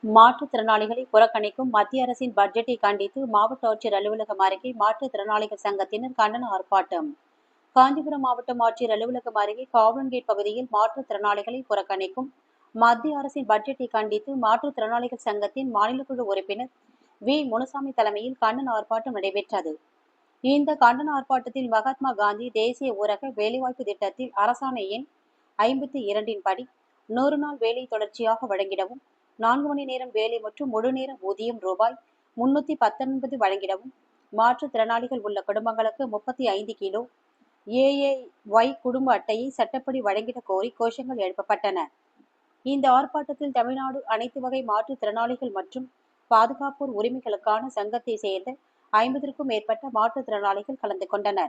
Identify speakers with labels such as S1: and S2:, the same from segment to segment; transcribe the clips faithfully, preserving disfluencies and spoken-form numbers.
S1: மாற்றுத்திறனாளிகளை புறக்கணிக்கும் மத்திய அரசின் பட்ஜெட்டை கண்டித்து மாவட்ட ஆட்சியர் அலுவலகம் அருகே மாற்றுத்திறனாளிகள் சங்கத்தினர் கண்டன ஆர்ப்பாட்டம். காஞ்சிபுரம் மாவட்டம் ஆட்சியர் அலுவலகம் அருகே காவலன்கேட் பகுதியில் மாற்றுத்திறனாளிகளை புறக்கணிக்கும் மத்திய அரசின் பட்ஜெட்டை கண்டித்து மாற்றுத்திறனாளிகள் சங்கத்தின் மாநில குழு உறுப்பினர் வி முனுசாமி தலைமையில் கண்டன ஆர்ப்பாட்டம் நடைபெற்றது. இந்த கண்டன ஆர்ப்பாட்டத்தில் மகாத்மா காந்தி தேசிய ஊரக வேலைவாய்ப்பு திட்டத்தில் அரசாணை எண் ஐம்பத்தி இரண்டின் படி நூறு நாள் வேலை தொடர்ச்சியாக வழங்கிடவும், நான்கு மணி நேரம் வேலை மற்றும் முழு நேர ஊதியம் ரூபாய் முன்னூத்தி பத்தொன்பது வழங்கிடவும், மாற்றுத்திறனாளிகள் உள்ள குடும்பங்களுக்கு முப்பத்தி ஐந்து கிலோ ஏ ஏ ஒய் குடும்ப அட்டையை சட்டப்படி வழங்கிட கோரி கோஷங்கள் எழுப்பப்பட்டன. இந்த ஆர்ப்பாட்டத்தில் தமிழ்நாடு அனைத்து வகை மாற்றுத்திறனாளிகள் மற்றும் பாதுகாப்போர் உரிமைகளுக்கான சங்கத்தை சேர்ந்த ஐம்பதற்கும் மேற்பட்ட மாற்றுத்திறனாளிகள் கலந்து கொண்டனர்.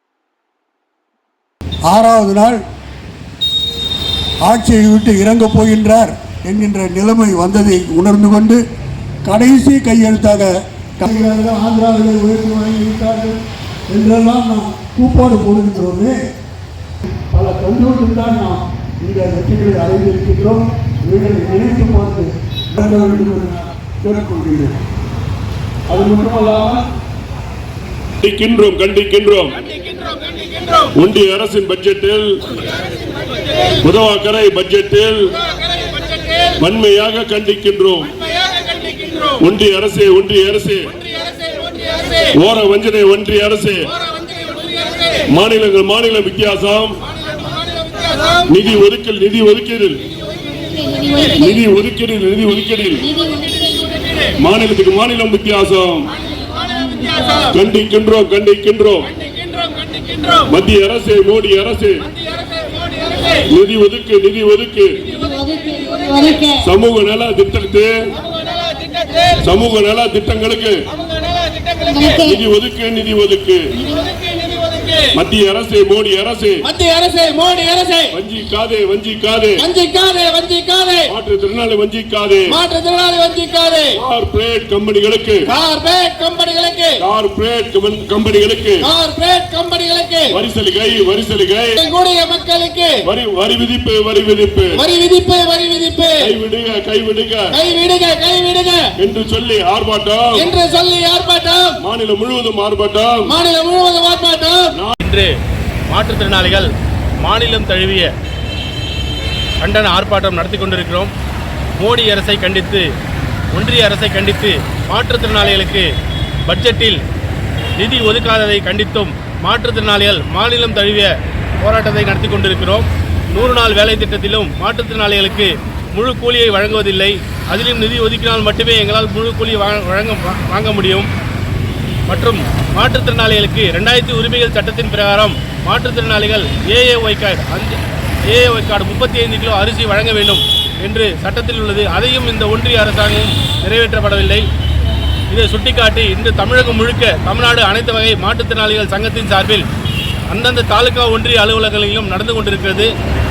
S2: ஆறாவது நாள் ஆட்சியை விட்டு இறங்கப் போகின்றார் என்கின்ற நிலைமை வந்ததை உணர்ந்து கொண்டு கடைசி கையெழுத்தாக ஆந்திராவிலே உயர்த்தி வழங்கிவிட்டார்கள் என்றெல்லாம் நாம் கூப்பாடு போடுகின்றோமே. பல கல்லூரிகள் தான் நாம் இந்த வெற்றிகளை அடைந்திருக்கின்றோம். இவர்களை நினைத்து பார்த்து வழங்க வேண்டும் என்று நான் கேட்டுக்கொள்கிறேன். அது மட்டுமல்லாமல்
S3: கண்டிக்கின்றோம் கண்டிக்கின்றோம் ஒன்றிய அரசின் பட்ஜெட்டில் உதவாக்கரை பட்ஜெட்டில் வன்மையாக கண்டிக்கின்றோம். ஒன்றிய அரசே ஒன்றிய அரசே ஓர வஞ்சனை ஒன்றிய அரசே மாநிலங்கள் மாநில வித்தியாசம் நிதி ஒதுக்கல் நிதி ஒதுக்கீடில் நிதி ஒதுக்கீடில் நிதி ஒதுக்கீடில் மாநிலத்துக்கு மாநிலம் வித்தியாசம் கண்டிக்கின்றோம் கண்டிக்கின்றோம் மத்திய அரசு மோடி அரசு நிதி ஒதுக்கு நிதி ஒதுக்கு சமூக நல திட்டத்து சமூக நல திட்டங்களுக்கு நிதி ஒதுக்கு நிதி ஒதுக்கு மத்திய அரசு மோடி அரசு
S4: மத்திய அரசு மோடி அரசு
S3: வஞ்சிக்காதே வஞ்சிக்காதே
S4: வஞ்சிக்காதே வஞ்சிக்காதே
S3: மாற்றுத்திறனாளி வஞ்சிக்காதே
S4: மாற்றுத்திறனாளி வஞ்சிக்காதே
S3: கார்ப்பரேட் கம்பெனிகளுக்கு
S4: கார்ப்பரேட் கம்பெனிகளுக்கு
S3: கார்ப்பரேட் கம்பெனிகளுக்கு
S4: கார்ப்பரேட் கம்பெனிகளுக்கு
S3: வரி சலுகை வரி சலுகை
S4: கூடிய மக்களுக்கு
S3: வரி வரி விதிப்பு வரி விதிப்பு
S4: வரி விதிப்பு வரி விதிப்பு
S3: கைவிடுக கைவிடுக
S4: கைவிடுக கைவிடுக
S3: என்று சொல்லி ஆர்ப்பாட்டம்
S4: என்று சொல்லி ஆர்ப்பாட்டம்
S3: மாநிலம் முழுவதும் ஆர்ப்பாட்டம்
S4: மாநிலம் முழுவதும் ஆர்ப்பாட்டம்.
S5: இன்று மாற்றுத்திறனாளிகள் மாநிலம் தழுவிய கண்டன ஆர்ப்பாட்டம் நடத்தி கொண்டிருக்கிறோம். மோடி அரசை கண்டித்து ஒன்றிய அரசை கண்டித்து மாற்றுத்திறனாளிகளுக்கு பட்ஜெட்டில் நிதி ஒதுக்காததை கண்டித்தும் மாற்றுத்திறனாளிகள் மாநிலம் தழுவிய போராட்டத்தை நடத்தி கொண்டிருக்கிறோம். நூறு நாள் வேலை திட்டத்திலும் மாற்றுத்திறனாளிகளுக்கு முழு கூலியை வழங்குவதில்லை. அதிலும் நிதி ஒதுக்கினால் மட்டுமே எங்களால் முழு கூலியை வழங்க வாங்க முடியும். மற்றும் மாற்றுத்திறனாளிகளுக்கு ரெண்டாயிரத்தி உரிமைகள் சட்டத்தின் பிரகாரம் மாற்றுத்திறனாளிகள் ஏஏஒய் கார்டு அந்த ஏஏஒய் கார்டு முப்பத்தி ஐந்து கிலோ அரிசி வழங்க வேண்டும் என்று சட்டத்தில் உள்ளது. அதையும் இந்த ஒன்றிய அரசாங்கம் நிறைவேற்றப்படவில்லை. இதை சுட்டிக்காட்டி இன்று தமிழகம் முழுக்க தமிழ்நாடு அனைத்து வகை மாற்றுத்திறனாளிகள் சங்கத்தின் சார்பில் அந்தந்த தாலுகா ஒன்றிய அலுவலகங்களிலும் நடந்து கொண்டிருக்கிறது.